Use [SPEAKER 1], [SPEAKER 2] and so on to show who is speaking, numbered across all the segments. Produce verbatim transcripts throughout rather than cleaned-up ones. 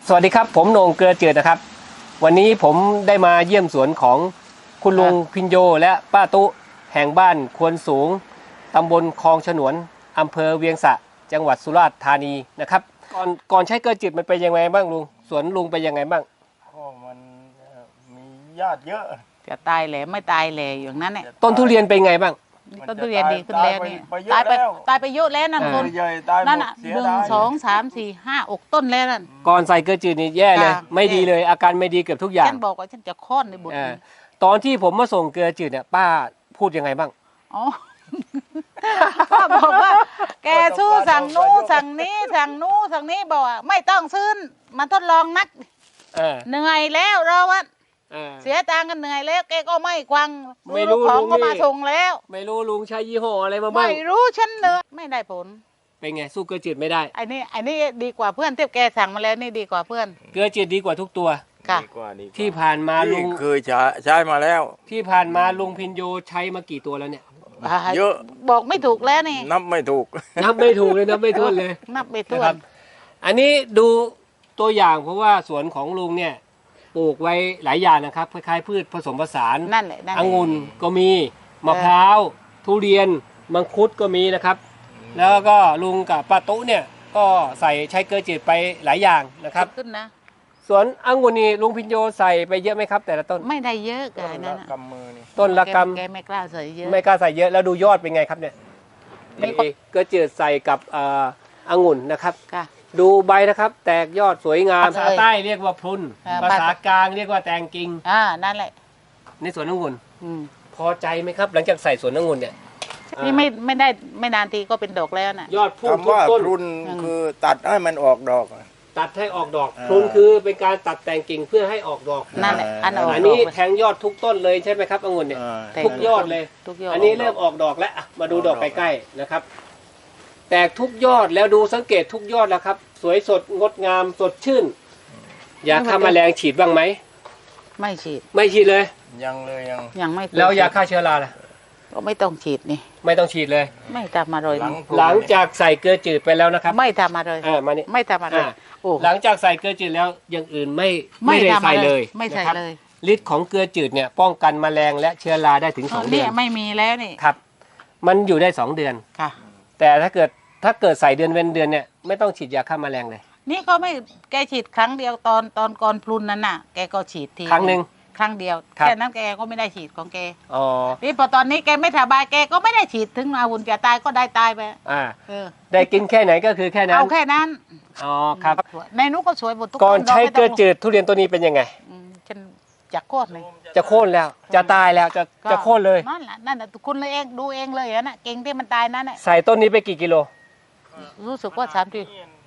[SPEAKER 1] สวัสดีครับผมโหน่งเกลือจืดนะครับวันนี้ผมได้มาเยี่ยมสวนของคุณลุงพินโยและป้าตุแห่งบ้านควนสูงตำบลคลองฉนวนอำเภอเวียงสะจังหวัดสุราษฎร์ธานีนะครับก่อนก่อนใช้เกลือจืดมันเป็นยังไงบ้างลุงสวนลุงเป็นยังไงบ้าง
[SPEAKER 2] ก็มันมีญาติเยอะ
[SPEAKER 3] จะตายแหล่ไม่ตายแหล่อย่างนั้นเนี่ย
[SPEAKER 1] ต้นทุเรียนเป็นไงบ้าง
[SPEAKER 3] ต้นทุเรียนดีขึ้นแล้วนี่ตายไปตายไปเยอะแล้วนั่นคนนั่นอ่ะหนึ่งสองสามสี่ห้าอกต้นแล้วนั่น
[SPEAKER 1] ก่อนใส่เกลือจืดนี่แย่เลยไม่ดีเลยอาการไม่ดีเกือบทุกอย่าง
[SPEAKER 3] ฉันบอกว่าฉันจะค้อนในบุตร
[SPEAKER 1] ตอนที่ผมมาส่งเกลือจืดเนี่ยป้าพูดยังไงบ้าง
[SPEAKER 3] อ๋อป้าบอกว่าแกสู้สั่งนู้สั่งนี้สั่งนู้สั่งนี้บอกว่าไม่ต้องซื้อมาทดลองนักเหนื่อยแล้วเราว่าเสียตังค์กันเหนื่อยแล้วแกก็ไม่ควังไม่รู้ของก็มาส่งแล้ว
[SPEAKER 1] ไม่รู้ลุงใช้ยี่ห้ออะไรมาบ้าง
[SPEAKER 3] ไม่รู้ฉันเนอะไม่ได้ผล
[SPEAKER 1] เป็นไงสู้เกลือจืดไม่ได้
[SPEAKER 3] ไอ้นี่ไอ้นี่ดีกว่าเพื่อนที่แกสั่งมาแล้วนี่ดีกว่าเพื่อน
[SPEAKER 1] เกลือจืดดีกว่าทุกตัว
[SPEAKER 3] ค่ะ
[SPEAKER 1] ที่ผ่านมาลุง
[SPEAKER 2] เคยใช้ใช้มาแล้ว
[SPEAKER 1] ที่ผ่านมาลุงพินโยใช้มากี่ตัวแล้วเนี่ย
[SPEAKER 3] เยอะบอกไม่ถูกแล้วนี่
[SPEAKER 2] นับไม่ถูก
[SPEAKER 1] นับไม่ถูกเลยนับไม่ถ้วนเลย
[SPEAKER 3] นับไม่ถ้วน
[SPEAKER 1] อันนี้ดูตัวอย่างเพราะว่าสวนของลุงเนี่ยปลูกไว้หลายอย่างนะครับคล้ายๆพืชผสมผสาน
[SPEAKER 3] นั่นแหละ
[SPEAKER 1] องุ่นก็มีมะพร้าวทุเรียนมังคุดก็มีนะครับแล้วก็ลุงกับป้าตุ๊เนี่ยก็ใส่ใช้เกลือจืดไปหลายอย่างนะครับ
[SPEAKER 3] ขึ้นนะ
[SPEAKER 1] สวนองุ่นนี่ลุงพินโยใส่ไปเยอะไหมครับแต่ละต้น
[SPEAKER 3] ไม่ได้เยอะกันนะ
[SPEAKER 2] กำมือนี่
[SPEAKER 1] ต้นละกำ
[SPEAKER 3] แกไม่กล้าใส่เยอะ
[SPEAKER 1] ไม่กล้าใส่เยอะแล้วดูยอดเป็นไงครับเนี่ยเกลือจืดใส่กับองุ่นนะครับดูใบนะครับแตกยอดสวยงามภาษาใต้เรียกว่าพรุนภาษากลางเรียกว่าแตงกิ่ง
[SPEAKER 3] อ่านั่นแหละ
[SPEAKER 1] ในสวนองุ่นพอใจไหมครับหลังจากใส่สวนองุ่นเนี่ย
[SPEAKER 3] นี่ไม่ไม่ได้ไม่นานทีก็เป็นดอกแล้วน่ะ
[SPEAKER 1] ยอดพุ่งทุกต้น
[SPEAKER 2] พรุนคือตัดให้มันออกดอก
[SPEAKER 1] ตัดให้ออกดอกพรุนคือเป็นการตัดแต่งกิ่งเพื่อให้ออกดอก
[SPEAKER 3] นั่นแหละอัน
[SPEAKER 1] อันนี้แทงยอดทุกต้นเลยใช่ไหมครับองุ่นเนี่ยทุกยอดเลยอันนี้เริ่มออกดอกแล้วมาดูดอกใกล้ๆนะครับแตกทุกยอดแล้วดูสังเกตทุกยอดแล้วครับสวยสดงดงามสดชื่นยาฆ่าแมลงฉีดบ้างไหม
[SPEAKER 3] ไม่ฉีด
[SPEAKER 1] ไม่ฉีดเลย
[SPEAKER 2] ยังเลยยัง
[SPEAKER 3] ยังไม่
[SPEAKER 1] แล้วยาฆ่าเชื้อราล่ะ
[SPEAKER 3] ก็ไม่ต้องฉีดนี่
[SPEAKER 1] ไม่ต้องฉีดเลย
[SPEAKER 3] ไม่ทำอะไร
[SPEAKER 1] หลังจากใส่เกลือจืดไปแล้วนะครับ
[SPEAKER 3] ไม่ทำอะไร
[SPEAKER 1] อ่ามานี่
[SPEAKER 3] ไม่ทำอะไร
[SPEAKER 1] หลังจากใส่เกลือจืดแล้วอย่างอื่นไม่ไม่ได้ใส่เลย
[SPEAKER 3] ไม่ใส่เลย
[SPEAKER 1] ฤทธิ์ของเกลือจืดเนี่ยป้องกันแมลงและเชื้อราได้ถึงสองเดือน
[SPEAKER 3] ไม่มีแล้วนี่
[SPEAKER 1] ครับมันอยู่ได้สองเดือน
[SPEAKER 3] ค่ะ
[SPEAKER 1] แต่ถ้าเกิดถ้าเกิดใส่เดือนเว้นเดือนเนี่ยไม่ต้องฉีดยาฆ่าแมลงเลย
[SPEAKER 3] นี่ก็ไม่แกฉีดครั้งเดียวตอนตอนก่อนพลุนนั้นน่ะแกก็ฉีดที
[SPEAKER 1] ครั้งหนึ่ง
[SPEAKER 3] ครั้งเดียวแค่นั้นแกก็ไม่ได้ฉีดของแก
[SPEAKER 1] อ๋อ
[SPEAKER 3] นี่พอตอนนี้แกไม่สบายแกก็ไม่ได้ฉีดถึงอาวุธจะตายก็ได้ตายไป
[SPEAKER 1] อ่าได้กินแค่ไหนก็คือแค่นั้น
[SPEAKER 3] เอาแค่นั้น
[SPEAKER 1] อ๋อครับ
[SPEAKER 3] ในนู้นก็สวยหมดทุก
[SPEAKER 1] ก่อนใช้เกลือจืดทุเรียนตัวนี้เป็นยังไง
[SPEAKER 3] ฉันจะโค่นเลย
[SPEAKER 1] จะโค่นแล้วจะตายแล้วจะจะโค่นเลย
[SPEAKER 3] นั่นแหละนั่นแหละคุณเลยเองดูเองเลยนะเก่งที่มันตายนั่นแหละ
[SPEAKER 1] ใส่ต้นนี้ไปกี่กิโล
[SPEAKER 3] รู้สึกว่าสามที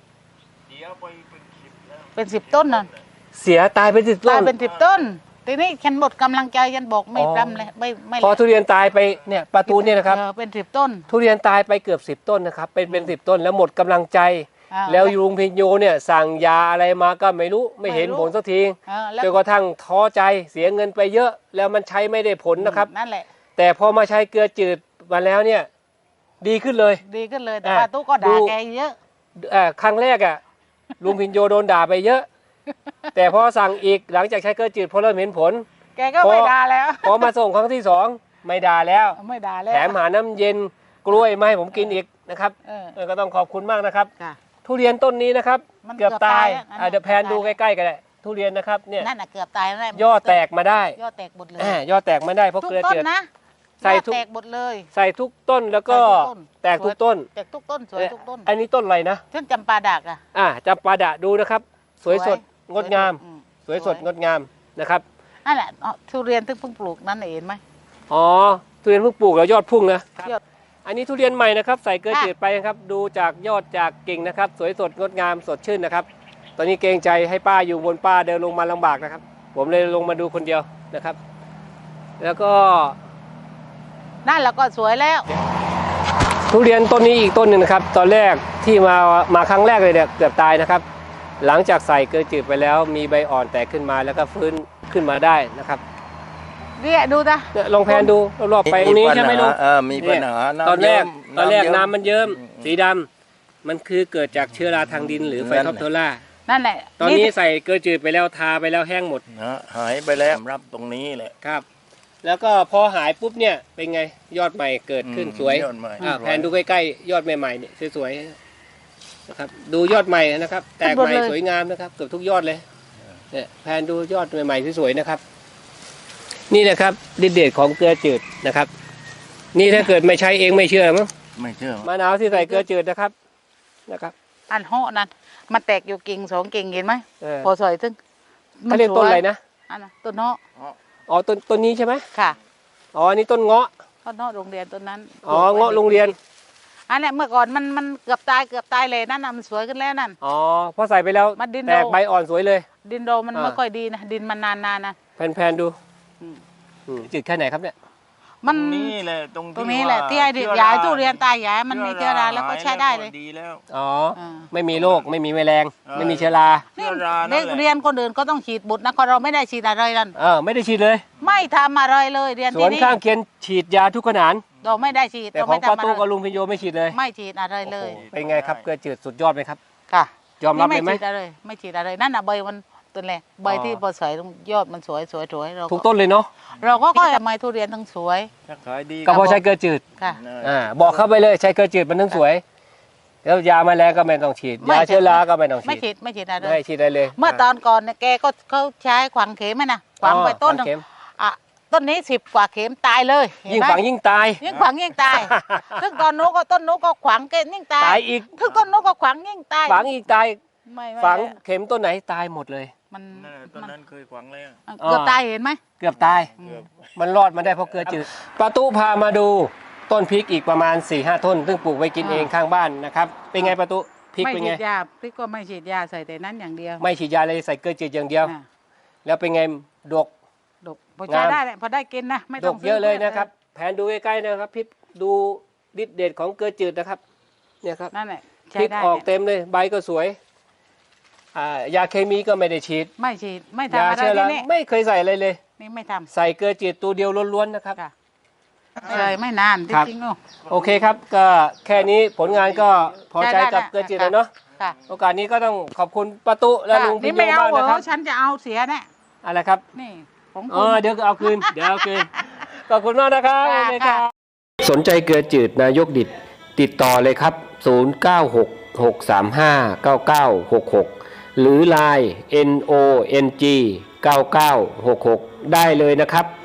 [SPEAKER 3] เป็นสิบต้นนั่น
[SPEAKER 1] เสียตายเป็นสิบต้น
[SPEAKER 3] ตายเป็นสิบต้นทีนี้ฉันหมดกำลังใจฉันบอกไม่ทำเลยไม่ไม่
[SPEAKER 1] พอทุเรียนตายไปเนี่ยประตูเนี่ยนะครับ
[SPEAKER 3] เป็นสิบต้น
[SPEAKER 1] ทุเรียนตายไปเกือบสิบต้นนะครับเป็นเป็นสิบต้นแล้วหมดกำลังใจแล้วลุงพินโยเนี่ยสั่งยาอะไรมาก็ไม่รู้ไม่เห็นผลสักทีจนกระทั่งท้อใจเสียเงินไปเยอะแล้วมันใช้ไม่ได้ผลนะครับ
[SPEAKER 3] นั่นแหละ
[SPEAKER 1] แต่พอมาใช้เกลือจืดมาแล้วเนี่ยดีขึ้นเลย
[SPEAKER 3] ดีขึ้นเลยแต่ป้าตุ๊กก็ด่าแกเยอะ
[SPEAKER 1] ครั้งแรกอ่ะลุงพินโยโดนด่าไปเยอะแต่พอสั่งอีกหลังจากใช้เกลือจืดพอเริ่มเห็นผล
[SPEAKER 3] แกก็ไม่ด่าแล้ว
[SPEAKER 1] พอมาส่งครั้งที่สองไม่ด่าแล้ว
[SPEAKER 3] ไม่ด่าแล้ว
[SPEAKER 1] แถมหาน้ำเย็นกล้วยมาให้ผมกินอีกนะครับก็ต้องขอบคุณมากนะครับทุเรียนต้นนี้นะครับเกือบตายเดี๋ยวแพนดูใกล้ๆกันเลยทุเรียนนะครับเนี่ย
[SPEAKER 3] นั่นน่ะเกือบตายแล้ว
[SPEAKER 1] ยอดแตกมาได้
[SPEAKER 3] ยอดแตกหมดเลย
[SPEAKER 1] ยอดแตกมาได้เพราะเกลือจืด
[SPEAKER 3] ใส่ทุกหมดเลย
[SPEAKER 1] ใส่ทุกต้นแล้วก็แตกทุกต้น
[SPEAKER 3] แตกทุกต้นสวยทุกต้น
[SPEAKER 1] อันนี้ต้นอะไรนะ
[SPEAKER 3] ต้นจำปาดักอ่ะ
[SPEAKER 1] อ่าจำปาดะดูนะครับสวยสดงดงามสวยสดงดงามนะครับ
[SPEAKER 3] นั่นแหละทุเรียนที่เพิ่งปลูกนั่นเห็นไหม
[SPEAKER 1] อ๋อทุเรียนเพิ่งปลูกแล้วยอดพุ่งนะอันนี้ทุเรียนใหม่นะครับใส่เกลือจืดไปนะครับดูจากยอดจากกิ่งนะครับสวยสดงดงามสดชื่นนะครับตอนนี้เกรงใจให้ป้าอยู่บนป้าเดินลงมาลำบากนะครับผมเลยลงมาดูคนเดียวนะครับแล้วก็
[SPEAKER 3] นั่นแล้วก็สวยแล้ว
[SPEAKER 1] ทุเรียนต้นนี้อีกต้นหนึ่งนะครับตอนแรกที่มามาครั้งแรกเลยเนี่ยเกือบตายนะครับหลังจากใส่เกลือจืดไปแล้วมีใบอ่อนแตกขึ้นมาแล้วก็ฟื้นขึ้นมาได้นะครับ
[SPEAKER 3] เนี่ยดูนะ
[SPEAKER 1] ลองแพนดูรอบๆไปตรงนี้ใช่ไหมลุง
[SPEAKER 2] มีปัญหา
[SPEAKER 1] ตอนแรกตอนแรกน้ำมันเยิ้มสีดำมันคือเกิดจากเชื้อราทางดินหรือไฟท็อปโทล่า
[SPEAKER 3] นั่นแหละ
[SPEAKER 1] ตอนนี้ใส่เกลือจืดไปแล้วทาไปแล้วแห้งหมด
[SPEAKER 2] นะหายไปแล้วรับตรงนี้แหละ
[SPEAKER 1] ครับ แล้วก็พอหายปุ๊บเนี่ยเป็นไงยอดใหม่เกิดขึ้น
[SPEAKER 2] อืม
[SPEAKER 1] สวย
[SPEAKER 2] ยอดใหม่
[SPEAKER 1] อ่า
[SPEAKER 2] สวย
[SPEAKER 1] แผนดูใกล้ๆยอดใหม่ๆเนี่ยสวยๆนะครับดูยอดใหม่นะครับ แตกใหม่สวยงามนะครับเกือบทุกยอดเลยเนี่ยแผนดูยอดใหม่ๆสวยๆนะครับ นี่นะครับฤทธิ์เดชของเกลือจืดนะครับ นี่ถ้าเกิดไม่ใช้เองไม่เชื่อมั้ง
[SPEAKER 2] ไม่เชื่อ
[SPEAKER 1] มะนาวที่ใส่เกลือจืดนะครับนะครับ
[SPEAKER 3] อันห่อนั่นมันแตกอยู่กิ่งสองกิ่งเห็นไหม
[SPEAKER 1] เออ
[SPEAKER 3] พอสวยซึ่ง
[SPEAKER 1] เขาเรียกต้นอะไรนะ
[SPEAKER 3] อันนั้นต้นเนาะ
[SPEAKER 1] อ๋อต้นต้นนี้ใช่ไหม
[SPEAKER 3] ค่ะ
[SPEAKER 1] อ๋ออันนี้ต้นเงาะ
[SPEAKER 3] ต้นเนาะโรงเรียนต้นนั้น
[SPEAKER 1] อ๋อเงาะโรงเรียน
[SPEAKER 3] อันเนี้ยเมื่อก่อนมันมันเกือบตายเกือบตายเลยนั่นน่ะมันสวยขึ้นแล้วนั่น
[SPEAKER 1] อ๋อพอใส่ไปแล้ว
[SPEAKER 3] มันดิน
[SPEAKER 1] แตก
[SPEAKER 3] โด
[SPEAKER 1] ใบอ่อนสวยเลย
[SPEAKER 3] ดินโดมัน
[SPEAKER 1] อ่า
[SPEAKER 3] ไม่ค่อยดีนะดินมันนานๆนะ
[SPEAKER 1] แผ่นๆดู
[SPEAKER 3] อืม
[SPEAKER 1] อืมจืดแค่ไหนครับเนี่ย
[SPEAKER 3] มัน
[SPEAKER 2] ตรงนี้แหละตรง
[SPEAKER 3] ตรงนี้แหละที่ไอ้ดิยายตู้เรียนตายยายมันมีเชื้อราแล้วก็ใช้ได้เลย
[SPEAKER 2] ดีแล้ว
[SPEAKER 1] อ๋อ
[SPEAKER 3] อ่า
[SPEAKER 1] ไม่มีโรคไม่มีแมลง
[SPEAKER 2] เออ
[SPEAKER 1] ไม่มีเชื้อรา
[SPEAKER 2] เชื้อรา
[SPEAKER 3] เด็
[SPEAKER 2] นั่
[SPEAKER 3] ก
[SPEAKER 2] นแหละ
[SPEAKER 3] เรียนคนอื่นก็ต้องฉีดบุตรนะคนเราไม่ได้ฉีดอะไรนั่น
[SPEAKER 1] เออไม่ได้ฉีดเลย
[SPEAKER 3] ไม่ทำอะไรเลยเรียน
[SPEAKER 1] ส
[SPEAKER 3] ที่
[SPEAKER 1] วน
[SPEAKER 3] นี่
[SPEAKER 1] ข้างเคียนฉีดยาทุกขนาน
[SPEAKER 3] เราไม่ได้ฉีด
[SPEAKER 1] แต่
[SPEAKER 3] เรา
[SPEAKER 1] ของ
[SPEAKER 3] ไม่
[SPEAKER 1] ป้า
[SPEAKER 3] ทำอะ
[SPEAKER 1] ตู้กับ
[SPEAKER 3] ไร
[SPEAKER 1] ลุงพิญโยไม่ฉีดเลย
[SPEAKER 3] ไม่ฉีดอะไรเลย
[SPEAKER 1] เป็นไงครับเกลือจืดสุดยอดไหมครับ
[SPEAKER 3] ค่ะ
[SPEAKER 1] ยอมรับเลยไหม
[SPEAKER 3] นี่ไม่ฉีดอะไรไม่ฉีดอะไรนั่นน่ะใบมันตัวแหละใบ
[SPEAKER 1] อ๋อ
[SPEAKER 3] ที่พอสวยยอดมันสวยสวยสวยเรา
[SPEAKER 1] ทุกต้นเลยเนาะ
[SPEAKER 3] เราก็ก็ทำไมทุเรียนทั้งสวย
[SPEAKER 2] ถ้าขายดี
[SPEAKER 1] ก็เพราะใช้เกลือจืด
[SPEAKER 3] ค่ะ
[SPEAKER 1] อ่าบอกเข้าไปเลยใช้เกลือจืดมันถึงสวย แล้วยาแมลงก็ไม่ต้องฉีด
[SPEAKER 3] ไม่
[SPEAKER 1] ยาเชื้อราก็ไม่ต้อง
[SPEAKER 3] ไม่
[SPEAKER 1] ฉี
[SPEAKER 3] ฉี
[SPEAKER 1] ด
[SPEAKER 3] ดไม่ฉีดอะไร
[SPEAKER 1] ไม่ฉีดอะไรเลย
[SPEAKER 3] เมื่อตอนก่อนเนี่ยแกก็เขาใช้ขวางเข็มไหมนะขวางไปต้นหนึ่ง
[SPEAKER 1] เข็ม
[SPEAKER 3] อ่ะต้นนี้สิบกว่าเข็มตายเลยเห็น
[SPEAKER 1] ยิ่ง
[SPEAKER 3] ไหม
[SPEAKER 1] ฝังยิ่งตาย
[SPEAKER 3] ยิ่งขวางยิ่งตาย ซึ่งตอนนู้นก็ต้นนู้นก็ขวางเกณยิ่งตาย
[SPEAKER 1] ตายอีก
[SPEAKER 3] ถึงต้นนู้นก็ขวางยิ่งตาย
[SPEAKER 1] ฝังอีกตาย
[SPEAKER 3] ไม่ไม่
[SPEAKER 1] ฝังเข็มต้นไหนตายหมดเลย
[SPEAKER 3] มัน
[SPEAKER 2] นั่นแหละตอนนั้นเคยขวางแล้ว
[SPEAKER 3] มันเกือบตายเห็นไหม
[SPEAKER 1] เกือบตาย
[SPEAKER 3] อืม
[SPEAKER 1] มันรอดมาได้เพราะเกลือจืดป้าตู้พามาดูต้นพริกอีกประมาณ4ี่ห้าต้น ซึ่งปลูกไว้กินเองข้างบ้านนะครับ เป็นไงป้าตู้พริก
[SPEAKER 3] ไม่
[SPEAKER 1] เป็น
[SPEAKER 3] ฉี
[SPEAKER 1] ไง
[SPEAKER 3] ดยาพริกก็ไม่ฉีดยาใส่แต่นั้นอย่างเดียว
[SPEAKER 1] ไม่ฉีดยาเลยใส่เกลือจืดอย่างเดียว
[SPEAKER 3] อ่ะ
[SPEAKER 1] แล้วเป็นไงดก
[SPEAKER 3] ดกพอใช้
[SPEAKER 1] งาม
[SPEAKER 3] ได้แหละพอได้กินนะไม่
[SPEAKER 1] ด
[SPEAKER 3] ต้อง
[SPEAKER 1] กเยอะเลยนะครับ แผนดูใกล้ๆนะครับพริกดูฤทธิ์เดชของเกลือจืดนะครับ เนี่ยครับ
[SPEAKER 3] นั่นแหละ
[SPEAKER 1] พ
[SPEAKER 3] ใช้
[SPEAKER 1] ริก
[SPEAKER 3] ได้
[SPEAKER 1] ออกเต็มเลยใบก็สวยอ่ายาเคมีก็ไม่ได้ฉีด
[SPEAKER 3] ไม่ฉีดไม่
[SPEAKER 1] ยา
[SPEAKER 3] ทำอะไร
[SPEAKER 1] เชื้อรา
[SPEAKER 3] ที่นี่
[SPEAKER 1] ไม่เคยใส่อะไรเลย
[SPEAKER 3] นี่ไม่ท
[SPEAKER 1] ใส่เกลือจืดตัวเดียวล้วนๆนะครับ
[SPEAKER 3] ำค่ะเลยไม่นานจ
[SPEAKER 1] ครับ
[SPEAKER 3] ริงๆเนอะ
[SPEAKER 1] โอเคครับก็แค่นี้ผลงานก็พอใจกับเกลือจืดแล้วเนาะ
[SPEAKER 3] ค่ะ
[SPEAKER 1] โอกาสนี้ก็ต้องขอบคุณป้าตุและลุงพิ
[SPEAKER 3] นี่
[SPEAKER 1] ญโย
[SPEAKER 3] ไม่เอา
[SPEAKER 1] มาก
[SPEAKER 3] เหร
[SPEAKER 1] นะครับ
[SPEAKER 3] อฉันจะเอาเสียแน่
[SPEAKER 1] อะไรครับ
[SPEAKER 3] นี่ของ
[SPEAKER 1] เอ
[SPEAKER 3] คุณ
[SPEAKER 1] อเดี๋ยวเอาคืนเดี๋ยวเอาคืนขอบคุณมากนะครับ
[SPEAKER 3] ค่ะ
[SPEAKER 1] โอเคครับ
[SPEAKER 3] ค่ะ
[SPEAKER 1] สนใจเกลือจืดนายกดิดติดต่อเลยครับ ศูนย์ เก้า หก หก สาม ห้า เก้า เก้า หก หก หรือ ไลน์ เอ็น โอ เอ็น จี เก้า เก้า หก หก ได้เลยนะครับ